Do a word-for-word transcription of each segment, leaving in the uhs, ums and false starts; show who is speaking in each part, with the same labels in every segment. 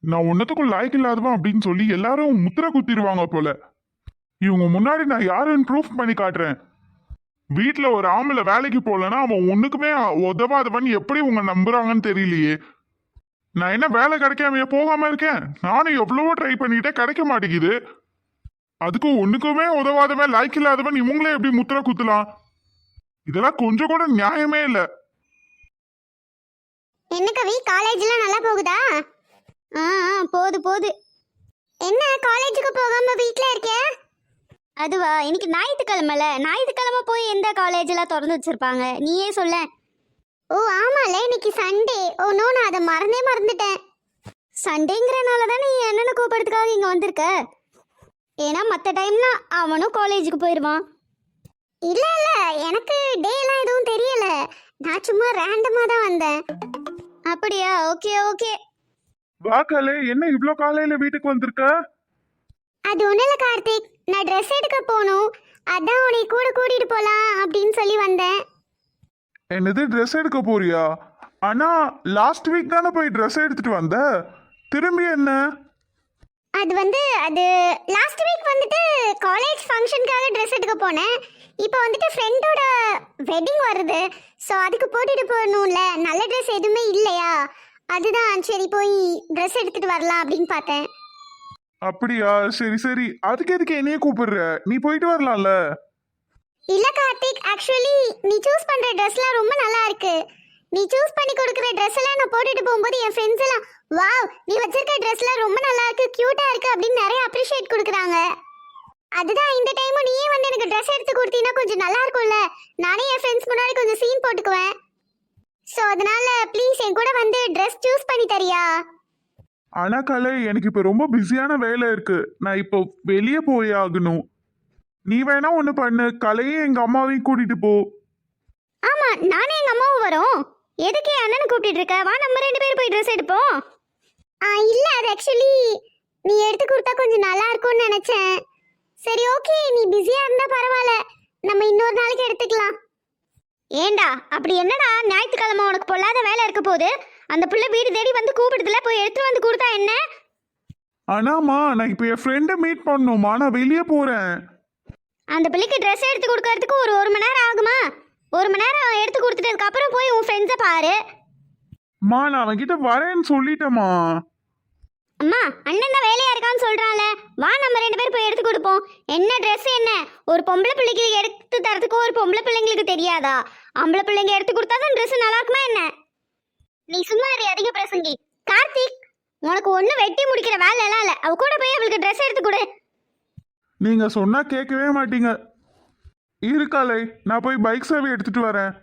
Speaker 1: நான் ஒன்னத்துக்கும் லாய்க்கு இல்லாதவன் அப்படின்னு சொல்லி எல்லாரும் முத்திர குத்திடுவாங்க போல. இவங்க முன்னாடி நான் யாருன்னு ப்ரூஃப் பண்ணி காட்டுறேன். வீட்டுல ஒரு ஆம்பளை வேலைக்கு போலன்னா அவன் ஒண்ணுக்குமே உதவாதவன் எப்படி உங்க நம்புறாங்கன்னு தெரியலையே. நான் என்ன வேலை கிடைக்காமையே போகாம இருக்கேன்? நானும் எவ்வளவோ ட்ரை பண்ணிட்டே கிடைக்க மாட்டேங்குது. அதுக்கு ஒண்ணுக்குமே உதவாதவன் லாய்க்கு இல்லாதவன் இவங்களே எப்படி முத்திர குத்தலாம்? இதெல்லாம் கொஞ்சம் கூட நியாயமே இல்லை.
Speaker 2: என்ன கவி, காலேஜ்லாம் நல்லா போகுதா? ஆ ஆ, போகுது போகுது. என்ன காலேஜுக்கு போகாம வீட்ல இருக்க? அதுவா, இன்னைக்கு ஞாயிற்றுக்கிழமைல, ஞாயிற்றுக்கிழமை போய் எந்த காலேஜெல்லாம் திறந்து வச்சிருப்பாங்க நீயே சொல்ல. ஓ ஆமால, இன்னைக்கு சண்டே. ஓ நோ, நான் அதை மறந்தே மறந்துட்டேன். சண்டேங்கிறனால தான் நீ என்னென்ன கூப்பிடுறதுக்காக இங்கே வந்திருக்க. ஏன்னா மற்ற டைம்லாம் அவனும் காலேஜுக்கு போயிடுவான். இல்லை இல்லை, எனக்கு டேலாம் எதுவும் தெரியல. நான் சும்மா ரேண்டமாக தான் வந்தேன். அப்படியா? Okay okay.
Speaker 1: வாக்காலே, என்ன இவ்ளோ காலையில வீட்டுக்கு வந்திருக்க?
Speaker 2: அது ஒன்றும் இல்லை கார்த்திக், நான் ட்ரெஸ் எடுக்க போகணும். அதான் உன்னை கூட கூட்டிகிட்டு போகலாம் அப்படின்னு சொல்லி வந்தேன்.
Speaker 1: என்னது, ட்ரெஸ் எடுக்க போறியா? ஆனா லாஸ்ட் வீக் தானே போய் ட்ரெஸ் எடுத்துட்டு வந்த, திரும்பி என்ன?
Speaker 2: அது வந்து அது லாஸ்ட் வீக் வந்துட்டு காலேஜ் ஃபங்க்ஷனுக்காக ட்ரெஸ் எடுக்க போனேன். இப்போ வந்துட்டு ஃப்ரெண்டோட வெட்டிங் வருது. ஸோ அதுக்கு போட்டுட்டு போகணும்ல, நல்ல ட்ரெஸ் எதுவுமே இல்லையா, அதுதான் சரி போய் ட்ரெஸ் எடுத்துட்டு வரலாம் அப்படின்னு பார்த்தேன்.
Speaker 1: அப்படியா, சரி சரி. அதுக்கு எதுக்கு என்னையே கூப்பிடுற? நீ போயிட்டு வரலாம்ல.
Speaker 2: இல்ல கார்த்திக், ஆக்சுவலி நீ சூஸ் பண்ற ட்ரெஸ்லாம் ரொம்ப நல்லா இருக்கு. நீ சூஸ் பண்ணி கொடுக்குற ட்ரெஸ் எல்லாம் நான் போட்டுட்டு போகும்போது என் ஃப்ரெண்ட்ஸ் எல்லாம் வாவ் நீ வச்சிருக்க ட்ரெஸ்லாம் ரொம்ப நல்லா இருக்கு, கியூட்டா இருக்கு அப்படின்னு நிறைய அப்ரிஷியேட் கொடுக்குறாங்க. அதுதான் இந்த டைமும் நீயே வந்து எனக்கு ட்ரெஸ் எடுத்து கொடுத்தீங்கன்னா கொஞ்சம் நல்லா இருக்கும்ல. நானே என் ஃப்ரெண்ட்ஸ் முன்னாடி கொஞ்சம் சீன் போட்டுக்குவேன். ஸோ அதனால ப்ளீஸ் என் கூட வந்து ட்ரெஸ் சூஸ் பண்ணி தரியா?
Speaker 1: ஆனா கலை, எனக்கு இப்ப ரொம்ப பிஸியான வேலை இருக்கு. நான் இப்போ வெளியே போய் ஆகணும். நீ வேணா ஒண்ணு பண்ணு, கலையும் எங்க அம்மாவையும் கூட்டிட்டு போ.
Speaker 2: ஆமா, நானே எங்க அம்மாவும் வரோம். எதுக்கு என் அண்ணனை கூப்பிட்டு இருக்க? வா நம்ம ரெண்டு பேரும் போய் ட்ரெஸ் எடுப்போம். ஆ இல்ல, அது ஆக்சுவலி நீ எடுத்து கொடுத்தா கொஞ்சம் நல்லா இருக்கும்னு நினைச்சேன். சரி ஓகே, நீ பிஸியா இருந்தா பரவாயில்ல, நம்ம இன்னொரு நாளைக்கு எடுத்துக்கலாம். ஏண்டா அப்படி என்னடா, ஞாயிற்றுக்கிழமை உனக்கு பொல்லாத வேலை இருக்க போது அந்த புள்ள வீடு தேடி வந்து கூப்பிடுதுல, போய் எடுத்து வந்து கொடுத்தா என்ன?
Speaker 1: ஆனாமா, நான் இப்ப என் ஃப்ரெண்டை மீட் பண்ணணுமா, நான் வெளியே போறேன்.
Speaker 2: அந்த பிள்ளைக்கு ட்ரெஸ் எடுத்து கொடுக்கறதுக்கு ஒரு ஒரு மணி நேரம் ஆகுமா? ஒரு மணி நேரம் எடுத்து கொடுத்துட்டதுக்கு அப்புறம் போய் உன் ஃப்ரெண்ட்ஸை பாரு.
Speaker 1: மா, நான் அவன்கிட்ட வரேன்னு சொல்லிட்டேமா.
Speaker 2: அம்மா, அண்ணன் தான் வேலையா இருக்கான்னு சொல்றான்ல, வா நம்ம ரெண்டு பேரும் போய் எடுத்து கொடுப்போம். என்ன ட்ரெஸ் என்ன, ஒரு பொம்பளை பிள்ளைக்கு எடுத்து தரதுக்கு ஒரு பொம்பளை பிள்ளைங்களுக்கு தெரியாதா? ஆம்பளை பிள்ளைங்க எடுத்து கொடுத்தா தான் ட்ரெஸ் நல்லா இருக்குமா என்ன? நீ சும்மா இரு, அதிக பிரசங்கி. கார்த்திக், உனக்கு ஒண்ணு வெட்டி முடிக்கிற வேலை எல்லாம் இல்ல, அவ கூட போய் அவளுக்கு ட்ரெஸ் எடுத்து கொடு.
Speaker 1: நீங்க சொன்னா கேட்கவே மாட்டீங்க. இருக்காலை, நான் போய் பைக் சேவை எடுத்துட்டு வரேன்.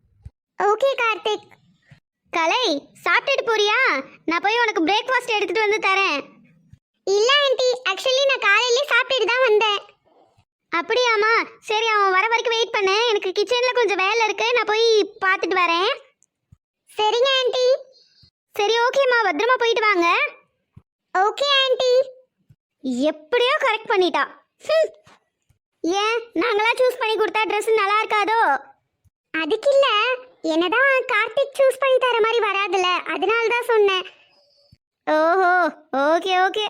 Speaker 2: ஓகே கார்த்திக். கலை, சாப்பிட்டுட்டு போறியா? நான் போய் உனக்கு பிரேக்ஃபாஸ்ட் எடுத்துட்டு வந்து தரேன். இல்ல ஆண்டி, ஆக்சுவலி நான் காலையிலே சாப்பிட்டுட்டு தான் வந்தேன். அப்படியாம்மா, சரி அவன் வர வரைக்கும் வெயிட் பண்ணு, எனக்கு கிச்சன்ல கொஞ்சம் வேலை இருக்கு, நான் போய் பார்த்துட்டு வரேன். சரிங்க ஆண்டி. சரி ஓகேம்மா, பத்திரமா போயிட்டு வாங்க. Okay aunty. எப்படியோ கரெக்ட் பண்ணிட்டா. ஏன் நாங்களா சூஸ் பண்ணி கொடுத்தா ட்ரெஸ் நல்லா இருக்காதோ? அதுக்கு இல்ல, என்னதான் கார்த்திக் சூஸ் பண்ணி தர மாதிரி வராதுல, அதனால தான் சொன்னேன். ஓஹோ, ஓகே ஓகே.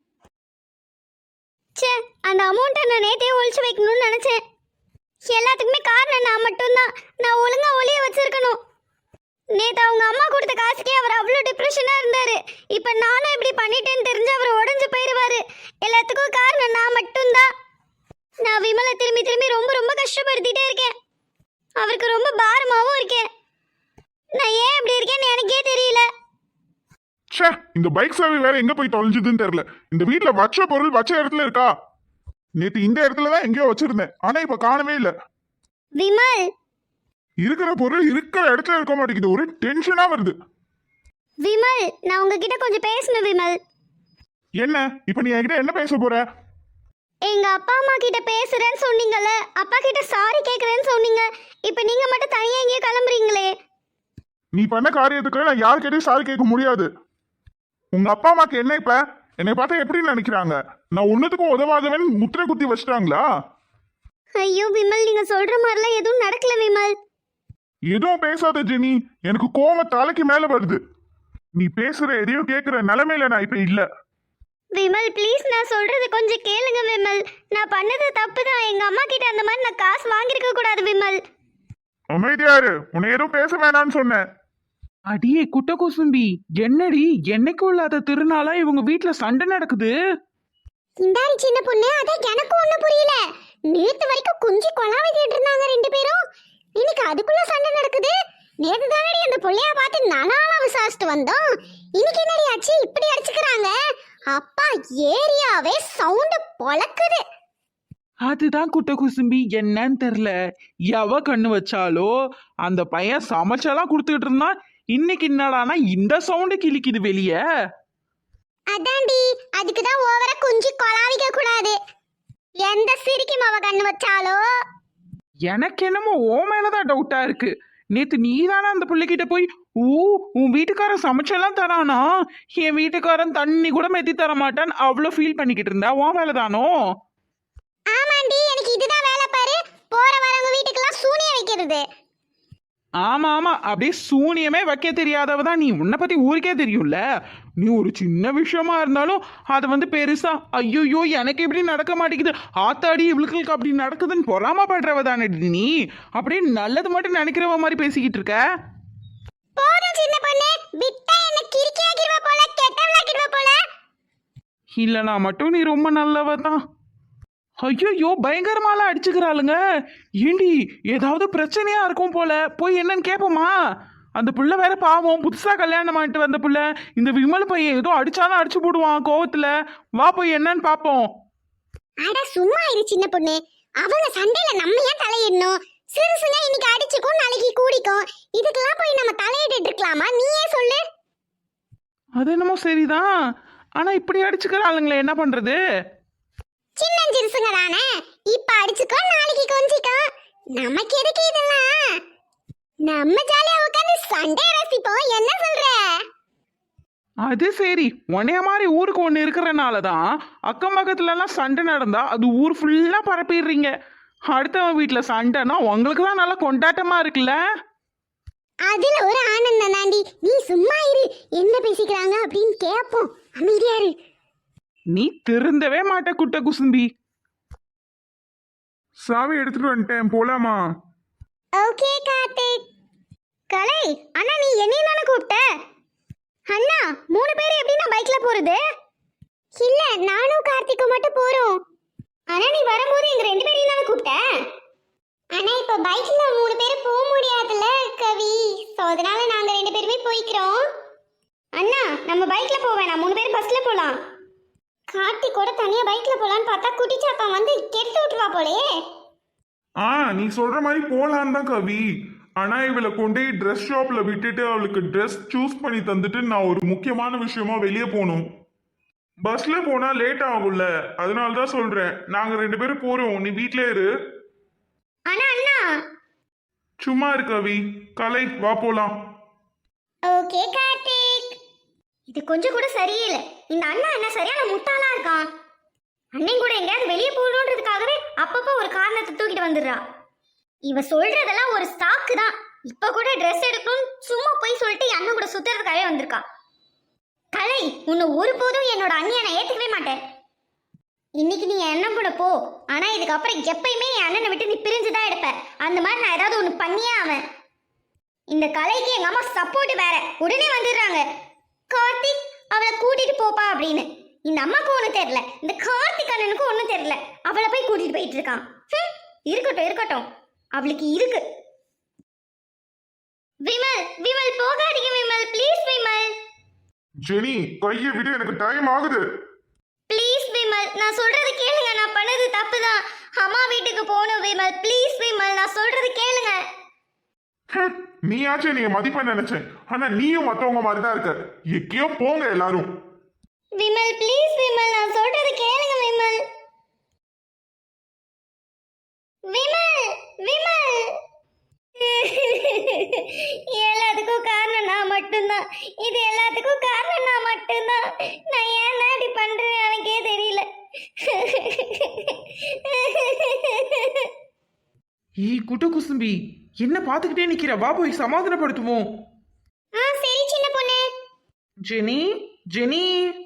Speaker 2: சே, அந்த அமௌண்ட்டை நான் நேற்றே ஒழிச்சு வைக்கணும்னு நினச்சேன். எல்லாத்துக்குமே காரணம் நான் மட்டும்தான். நான் ஒழுங்கா ஒளிய வச்சிருக்கணும். நேற்று அவங்க அம்மா கொடுத்த காசுக்கே அவர் அவ்வளோ டிப்ரெஷனாக இருந்தார். இப்போ நானும் இப்படி பண்ணிட்டேன்னு தெரிஞ்சு அவர் உடஞ்சு போயிடுவார். எல்லாத்துக்கும் காரணம் நான் மட்டும்தான். நான் விமலை திரும்பி திரும்பி ரொம்ப ரொம்ப கஷ்டப்படுத்திட்டே இருக்கேன். அவருக்கு ரொம்ப பாரமாகவும் இருக்கேன். நான் ஏன் இப்படி இருக்கேன்னு எனக்கே தெரியல.
Speaker 1: ச்சே, இந்த பைக் சேவை வேற எங்க போய் தொலைஞ்சதுன்னு தெரியல. இந்த வீட்டுல வச்ச பொருள் வச்ச இடத்துல இருக்கா? நேத்து இந்த இடத்துல தான் எங்கேயோ வச்சிருந்தேன், ஆனா இப்ப காணவே இல்ல.
Speaker 2: விமல்,
Speaker 1: இருக்கிற பொருள் இருக்கிற இடத்துல இருக்க மாட்டேங்குது, ஒரு டென்ஷனா வருது.
Speaker 2: விமல், நான் உங்ககிட்ட கொஞ்சம் பேசணும். விமல்,
Speaker 1: என்ன இப்ப நீ என்கிட்ட என்ன பேச போற?
Speaker 2: எங்க அப்பா அம்மா கிட்ட பேசுறேன்னு சொன்னீங்கல்ல, அப்பா கிட்ட சாரி கேக்குறேன்னு சொன்னீங்க. இப்போ நீங்க மட்டும் தனியா எங்கேயோ கிளம்புறீங்களே.
Speaker 1: நீ பண்ண காரியத்துக்கு நான் யார்கிட்டயும் சாரி கேட்க முடியாது. உங்க அப்பா அம்மாக்கு என்ன இப்ப என்னை பார்த்தா எப்படி நினைக்கிறாங்க? நான் ஒன்னுத்துக்கும் உதவாதவன் முத்திரை குத்தி வச்சிட்டாங்களா?
Speaker 2: ஐயோ விமல், நீங்க சொல்ற மாதிரிலாம் எதுவும் நடக்கல விமல்.
Speaker 1: எதுவும் பேசாத ஜெனி, எனக்கு கோவம் தலைக்கு மேல வருது. நீ பேசுற எதையும் கேக்குற நிலைமையில நான் இப்ப இல்ல.
Speaker 2: விமல் ப்ளீஸ், நான் சொல்றது கொஞ்சம் கேளுங்க விமல். நான் பண்ணது தப்பு தான். எங்க அம்மா கிட்ட அந்த மாதிரி நான் காசு வாங்கியிருக்க கூடாது விமல்.
Speaker 1: அமைதியாரு, உன்னை எதுவும் பேச வேணாம்னு சொன்னேன்.
Speaker 3: அடியே குட்ட குசும்பி, என்னடி என்னைக்கும் இல்லாத திருநாளா இவங்க வீட்ல சண்டை நடக்குது?
Speaker 2: இந்தாரி சின்ன பொண்ணு, அதான் எனக்கும் ஒண்ணும் புரியல. நேத்து வரைக்கும் குஞ்சு கொலாவிட்டு இருந்தாங்க ரெண்டு பேரும். இன்னைக்கு அதுக்குள்ள சண்டை நடக்குது. நேத்து தானடி அந்த புள்ளைய பார்த்து நானாலாம் விசாரிச்சுட்டு வந்தோம். இன்னைக்கு என்னடி ஆச்சு, இப்படி அடிச்சுக்கிறாங்க? அப்பா, ஏரியாவே சவுண்ட் பொளக்குது.
Speaker 3: அதுதான் குட்ட குசும்பி, என்னன்னு தெரியல. எவ கண்ணு வச்சாலோ அந்த பையன் சமைச்செல்லாம் கொடுத்துக்கிட்டு இருந்தான். இன்னைக்கு என்னடானா இந்த சவுண்டு கிழிக்குது வெளியே.
Speaker 2: அதான்டி, அதுக்கு தான் ஓவரா குஞ்சு கொலாவிக்க கூடாது. எந்த சிரிக்கும் அவ கண்ணு வச்சாலோ.
Speaker 3: எனக்கு என்னமோ ஓ மேலதான் டவுட்டா இருக்கு. நேத்து நீ தானே அந்த பிள்ளைகிட்ட போய் ஊ உன் வீட்டுக்காரன் சமைச்செல்லாம் தரானா, என் வீட்டுக்காரன் தண்ணி கூட மெத்தி தர மாட்டான் அவ்வளோ ஃபீல் பண்ணிக்கிட்டு இருந்தா ஓ மேலதானோ?
Speaker 2: ஆமாண்டி, எனக்கு இதுதான் வேலை பாரு. போற வரவங்க வீட்டுக்கெல்லாம் சூனிய வைக்கிறது.
Speaker 3: ஆமா ஆமா, அப்படியே சூனியமே வைக்க தெரியாதவ தான் நீ. உன்னை பத்தி ஊருக்கே தெரியும்ல. நீ ஒரு சின்ன விஷயமா இருந்தாலும் அதை வந்து பெருசா ஐயோ எனக்கு இப்படி நடக்க மாட்டேங்குது, ஆத்தாடி இவளுக்கு அப்படி நடக்குதுன்னு பொறாமப்படுறவ தானே நீ. அப்படியே நல்லது மட்டும் நினைக்கிறவ மாதிரி பேசிக்கிட்டு இருக்க.
Speaker 2: போதும் சின்ன பொண்ணு, விட்டா என்ன கிறுக்கியாக்கிடுவ போல, கெட்டவளாக்கிடுவ போல.
Speaker 3: இல்லனா மட்டும் நீ ரொம்ப நல்லவ தான். ஐயோ பயங்கரமாலாம் அடிச்சுக்கிறாளுங்க. ஏண்டி ஏதாவது பிரச்சனையா இருக்கும் போல, போய் என்னன்னு கேட்போமா? அந்த புள்ள வேற பாவம், புதுசா கல்யாணம் ஆயிட்டு வந்த புள்ள. இந்த விமல் பையன் ஏதோ அடிச்சாலும் அடிச்சு போடுவான் கோவத்துல. வா போய் என்னன்னு பாப்போம்.
Speaker 2: அட சும்மா இரு சின்ன பொண்ணு, அவங்க சண்டையில நம்ம ஏன் தலையிடணும்? சிறுசுங்க இன்னைக்கு அடிச்சுக்கும் நாளைக்கு கூடிக்கும். இதுக்கெல்லாம் போய் நம்ம தலையிட்டு இருக்கலாமா? நீயே சொல்லு.
Speaker 3: அது என்னமோ சரிதான், ஆனா இப்படி அடிச்சுக்கிறாளுங்களே, என்ன பண்றது?
Speaker 2: சின்ன சிறுசுங்க தானே, இப்ப அடிச்சுக்கோ நாளைக்கு கொஞ்சிக்கோ. நமக்கு எதுக்கு இதெல்லாம்? நம்ம ஜாலியா உட்காந்து சண்டை ரசிப்போம். என்ன சொல்ற?
Speaker 3: அது சரி, உன்னைய மாதிரி ஊருக்கு ஒன்று இருக்கிறனால தான் அக்கம் பக்கத்துல எல்லாம் சண்டை நடந்தா அது ஊர் ஃபுல்லா பரப்பிடுறீங்க. அடுத்தவன் வீட்டுல சண்டைனா உங்களுக்கு தான் நல்லா கொண்டாட்டமா இருக்குல்ல.
Speaker 2: அதுல ஒரு ஆனந்தம் தாண்டி. நீ சும்மா இரு, என்ன பேசிக்கிறாங்க அப்படின்னு கேட்போம். அமைதியா இரு.
Speaker 3: நீ திருந்தவே மாட்ட குட்ட குசும்பி.
Speaker 1: சாவி எடுத்துட்டு வந்துட்டேன், போலாமா?
Speaker 2: ஓகே கார்த்திக். கலை அண்ணா, நீ என்னையும் தானே கூப்பிட்ட? அண்ணா, மூணு பேர் எப்படி நான் பைக்ல போறது? இல்ல, நானும் கார்த்திக்கும் மட்டும் போறோம். அண்ணா, நீ வரும்போது எங்க ரெண்டு பேரையும் தானே கூப்பிட்ட? அண்ணா, இப்ப பைக்ல மூணு பேர் போக முடியாதுல்ல கவி, சோ அதனால நாங்க ரெண்டு பேருமே போய்க்கிறோம். அண்ணா, நம்ம பைக்ல போவேன், நான் மூணு பேர் பஸ்ல போலாம். கார்த்திக் கூட தனியா பைக்ல போலான்னு பார்த்தா குட்டிச்சாப்பா வந்து கெடுத்து விட்டுவா போலயே.
Speaker 1: ஆ, நீ சொல்ற மாதிரி போலான்னு தான் கவி. ஆனா இவளை கொண்டு ட்ரெஸ் ஷாப்ல விட்டுட்டு அவளுக்கு ட்ரெஸ் சூஸ் பண்ணி தந்துட்டு நான் ஒரு முக்கியமான விஷயமா வெளியே போகணும். பஸ்ல போனா லேட் ஆகும்ல, அதனால தான் சொல்றேன். நாங்க ரெண்டு பேரும் போறோம், நீ வீட்ல இரு.
Speaker 2: அண்ணா அண்ணா.
Speaker 1: சும்மா இரு கவி. கலை, வா போலாம்.
Speaker 2: ஓகே கார்த்திக். இது கொஞ்சம் கூட சரியில்லை. இந்த அண்ணா என்ன சரியான முட்டாளா இருக்கான். அண்ணன் கூட எங்கேயாவது வெளியே போகணுன்றதுக்காகவே அப்பப்போ ஒரு காரணத்தை தூக்கிட்டு வந்துடுறா. இவ சொல்றதெல்லாம் ஒரு ஸ்டாக்கு தான். இப்ப கூட ட்ரெஸ் எடுக்கணும் சும்மா போய் சொல்லிட்டு என் அண்ணன் கூட சுத்துறதுக்காகவே வந்திருக்கா. கலை, உன்னை ஒருபோதும் என்னோட அண்ணியை நான் ஏத்துக்கவே மாட்டேன். இன்னைக்கு நீ என் அண்ணன் கூட போ, ஆனா இதுக்கப்புறம் எப்பயுமே என் அண்ணனை விட்டு நீ பிரிஞ்சுதான் எடுப்ப. அந்த மாதிரி நான் ஏதாவது ஒண்ணு பண்ணியே அவன். இந்த கலைக்கு எங்க அம்மா சப்போர்ட் வேற. உடனே வந்துடுறாங்க, கார்த்திக் அவளை கூட்டிட்டு போப்பா அப்படின்னு. இந்த அம்மாக்கு ஒன்றும் தெரியல, இந்த கார்த்திக் அண்ணனுக்கும் ஒன்றும் தெரியல. அவளை போய் கூட்டிட்டு போயிட்டு இருக்கான். இருக்கட்டும் இருக்கட்டும், அவளுக்கு இருக்கு. விமல் விமல் போகாதீங்க விமல், ப்ளீஸ் விமல்.
Speaker 1: ஜெனி, கையை விடு, எனக்கு டைம் ஆகுது.
Speaker 2: ப்ளீஸ் விமல், நான் சொல்றது கேளுங்க. நான் பண்ணது தப்பு தான். அம்மா வீட்டுக்கு போகணும் விமல், ப்ளீஸ் விமல், நான் சொல்றது கேளுங்க.
Speaker 1: நீயாச்சும் நீ மதிப்ப நினைச்சேன், ஆனா நீயும் மத்தவங்க மாதிரி தான் இருக்க. எங்கேயோ போங்க எல்லாரும்.
Speaker 2: விமல் ப்ளீஸ் விமல், நான் சொல்றது கேளுங்க விமல். விமல் விமல். எல்லாத்துக்கும் காரணம் நான் மட்டும்தான். இது எல்லாத்துக்கும் காரணம் நான் மட்டும்தான். நான் ஏன் தான் இப்படி பண்றேன்னு எனக்கே தெரியல.
Speaker 3: ஏய் குட்ட குசும்பி, என்ன பார்த்துக்கிட்டே நிக்கிற? வா போய் சமாதானப்படுத்துவோம்.
Speaker 2: ஆ சரி சின்ன பொண்ணு.
Speaker 3: Jenny Jenny